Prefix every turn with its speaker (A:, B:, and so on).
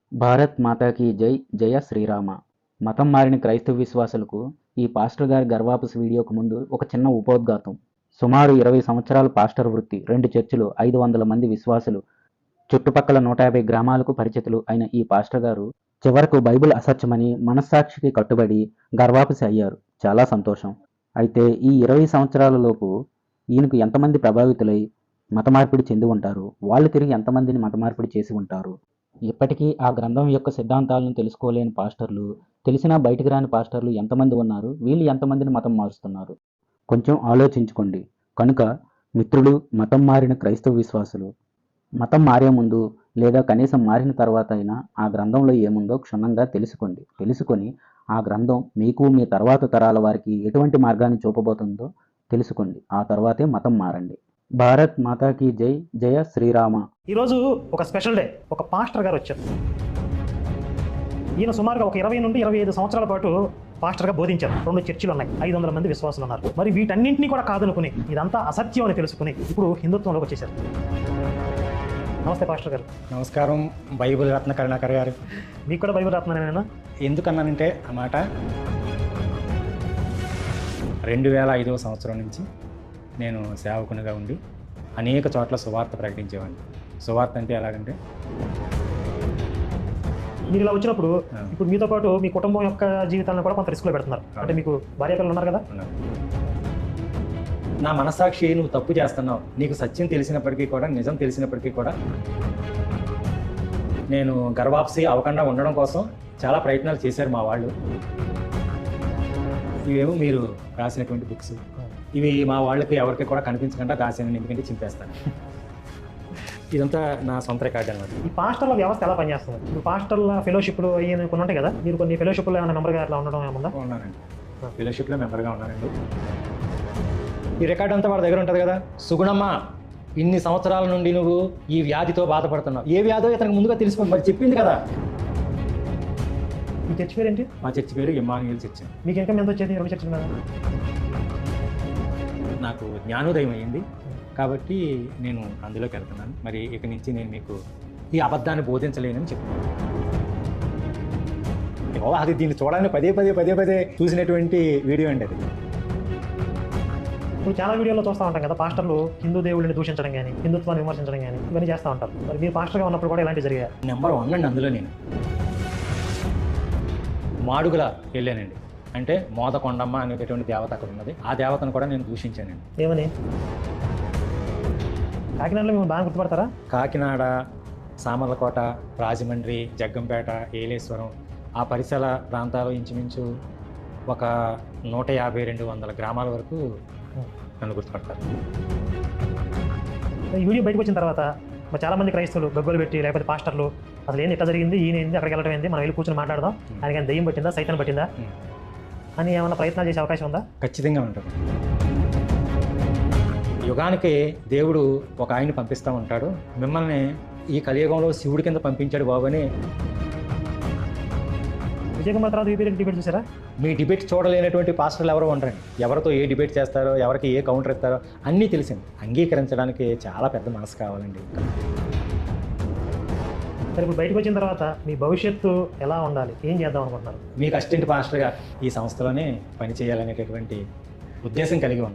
A: భారత్ మాతాకి జై జయ శ్రీరామ. మతం మారిన క్రైస్తవ విశ్వాసులకు ఈ పాస్టర్ గారి గర్వాపసి వీడియోకు ముందు ఒక చిన్న ఉపోద్ఘాతం. సుమారు 20 సంవత్సరాల పాస్టర్ వృత్తి, 2 చర్చిలు, 500 మంది విశ్వాసులు, చుట్టుపక్కల 150 గ్రామాలకు పరిచితులు అయిన ఈ పాస్టర్ గారు చివరకు బైబిల్ అసత్యమని మనస్సాక్షికి కట్టుబడి గర్వాపసి అయ్యారు. చాలా సంతోషం. అయితే ఈ 20 సంవత్సరాలలోపు ఈయనకు ఎంతమంది ప్రభావితులై మత మార్పిడి చెంది ఉంటారు, వాళ్ళు తిరిగి ఎంతమందిని మత మార్పిడి చేసి ఉంటారు? ఇప్పటికీ ఆ గ్రంథం యొక్క సిద్ధాంతాలను తెలుసుకోలేని పాస్టర్లు, తెలిసినా బయటికి రాని పాస్టర్లు ఎంతమంది ఉన్నారు? వీళ్ళు ఎంతమందిని మతం మారుస్తున్నారు? కొంచెం ఆలోచించుకోండి. కనుక మిత్రులు, మతం మారిన క్రైస్తవ విశ్వాసులు, మతం మారే ముందు లేదా కనీసం మారిన తర్వాత అయినా ఆ గ్రంథంలో ఏముందో క్షుణ్ణంగా తెలుసుకొని ఆ గ్రంథం మీకు, మీ తర్వాత తరాల వారికి ఎటువంటి మార్గాన్ని చూపబోతుందో తెలుసుకోండి. ఆ తర్వాతే మతం మారండి. భారత్ మాతాకి జై జయ శ్రీరామ.
B: ఈరోజు ఒక స్పెషల్ డే. ఒక పాస్టర్ గారు వచ్చారు. ఈయన సుమారుగా ఒక 20 నుండి 25 సంవత్సరాల పాటు పాస్టర్గా బోధించారు. 2 చర్చిలు ఉన్నాయి, 500 మంది విశ్వాసులు ఉన్నారు. మరి వీటన్నింటినీ కూడా కాదనుకుని, ఇదంతా అసత్యం అని తెలుసుకుని ఇప్పుడు హిందుత్వంలోకి వచ్చేసారు. నమస్తే పాస్టర్ గారు.
C: నమస్కారం. బైబిల్ రత్న కరుణాకర్ గారు.
B: మీకు కూడా బైబిల్ రత్ననేనా?
C: ఎందుకన్నానంటే ఆ మాట 2005వ సంవత్సరం నుంచి నేను సేవకునిగా ఉండి అనేక చోట్ల సువార్త ప్రకటించేవాడిని. సువార్త అంటే ఎలాగంటే,
B: మీరు ఇలా వచ్చినప్పుడు ఇప్పుడు మీతో పాటు మీ కుటుంబం యొక్క జీవితాలను కూడా కొంత రిస్క్లో పెడుతున్నారు. అంటే మీకు భార్య పిల్లలు ఉన్నారు కదా.
C: నా మనస్సాక్షి నువ్వు తప్పు చేస్తున్నావు, నీకు సత్యం తెలిసినప్పటికీ కూడా, నిజం తెలిసినప్పటికీ కూడా నేను గర్వాప్సి అవ్వకుండా ఉండడం కోసం చాలా ప్రయత్నాలు చేశారు మా వాళ్ళు. ఇవేమో మీరు రాసినటువంటి బుక్స్, ఇవి మా వాళ్ళకి ఎవరికి కూడా కనిపించకుండా దాసాను, ఎందుకంటే చింపేస్తాను. ఇదంతా నా సొంత రికార్డు అనమాట.
B: ఈ పాస్టర్ల వ్యవస్థ ఎలా పనిచేస్తుంది? ఇప్పుడు పాస్టర్ల ఫెలోషిప్లు అయ్యి కొన్ని ఉంటాయి కదా, మీరు కొన్ని ఫెలోషిప్లో ఏమైనా మెంబర్గా అట్లా ఉండడం ఏముందా?
C: ఉన్నానండి, ఫెలోషిప్లో మెంబర్గా ఉన్నానండి. ఈ రికార్డు అంతా వాడి దగ్గర ఉంటుంది కదా. సుగుణమ్మ, ఇన్ని సంవత్సరాల నుండి నువ్వు ఈ వ్యాధితో బాధపడుతున్నావు. ఏ వ్యాధో ఇతనికి ముందుగా తెలుసుకోండి, మరి చెప్పింది కదా.
B: మీ చర్చ్ పేరు ఏంటి?
C: మా చర్చి పేరు ఇమ్మానుయేల్ చర్చ్.
B: మీకు ఇంకా ఎంత వచ్చేది 2 చర్చల మీద?
C: నాకు జ్ఞానోదయం అయ్యింది కాబట్టి నేను అందులోకి వెళ్తున్నాను. మరి ఇక నుంచి నేను మీకు ఈ అబద్ధాన్ని బోధించలేనని చెప్తున్నాను. అది దీన్ని చూడాలని పదే పదే చూసినటువంటి వీడియో అండి అది.
B: ఇప్పుడు చాలా వీడియోలో చూస్తూ ఉంటాం కదా, పాస్టర్లు హిందూ దేవుళ్ళని దూషించడం కానీ, హిందుత్వాన్ని విమర్శించడం కానీ ఇవన్నీ చేస్తూ ఉంటారు. మరి మీరు పాస్టర్గా ఉన్నప్పుడు కూడా ఇలాంటివి జరిగాయి?
C: నెంబర్ 1 అండి. అందులో నేను మాడుగుల వెళ్ళానండి. అంటే మోదకొండమ్మ అనేటటువంటి దేవత అక్కడ ఉన్నది. ఆ దేవతను కూడా నేను దూషించానండి.
B: ఏమని? కాకినాడలో మేము బాగా గుర్తుపడతారా?
C: కాకినాడ, సామర్లకోట, రాజమండ్రి, జగ్గంపేట, ఏలేశ్వరం ఆ పరిసర ప్రాంతాలు ఇంచుమించు ఒక 150-200 గ్రామాల వరకు నన్ను గుర్తుపడతారు.
B: ఈ వీడియో బయటకు వచ్చిన తర్వాత మరి చాలామంది క్రైస్తవులు గగ్గోలు పెట్టి, లేకపోతే పాస్టర్లు అసలు ఏంది, ఎట్లా జరిగింది, ఈయన ఏంది, అక్కడికి వెళ్ళడం ఏంది, మనం వెళ్ళి కూర్చొని మాట్లాడదాం, ఆయనకి దెయ్యం పట్టిందా, సైతాన్ పట్టిందా అని ఏమైనా ప్రయత్నాలు చేసే అవకాశం ఉందా?
C: ఖచ్చితంగా ఉంటుంది. యుగానికి దేవుడు ఒక ఆయన్ని పంపిస్తూ ఉంటాడు. మిమ్మల్ని ఈ కలియుగంలో శివుడి కింద పంపించాడు బాబు అని.
B: విజయకుమార్ తర్వాత డిబేట్ చూసారా?
C: మీ డిబేట్ చూడలేనటువంటి పాస్టర్లు ఎవరో ఉండరండి. ఎవరితో ఏ డిబేట్ చేస్తారో, ఎవరికి ఏ కౌంటర్ ఇస్తారో అన్నీ తెలిసింది. అంగీకరించడానికి చాలా పెద్ద మనసు కావాలండి.
B: సరే, ఇప్పుడు బయటకు వచ్చిన తర్వాత మీ భవిష్యత్తు ఎలా ఉండాలి, ఏం చేద్దాం అనుకుంటున్నారు?
C: మీకు అసిస్టెంట్ పాస్టర్గా ఈ సంస్థలోనే పనిచేయాలనేటటువంటి ఉద్దేశం కలిగి ఉంది.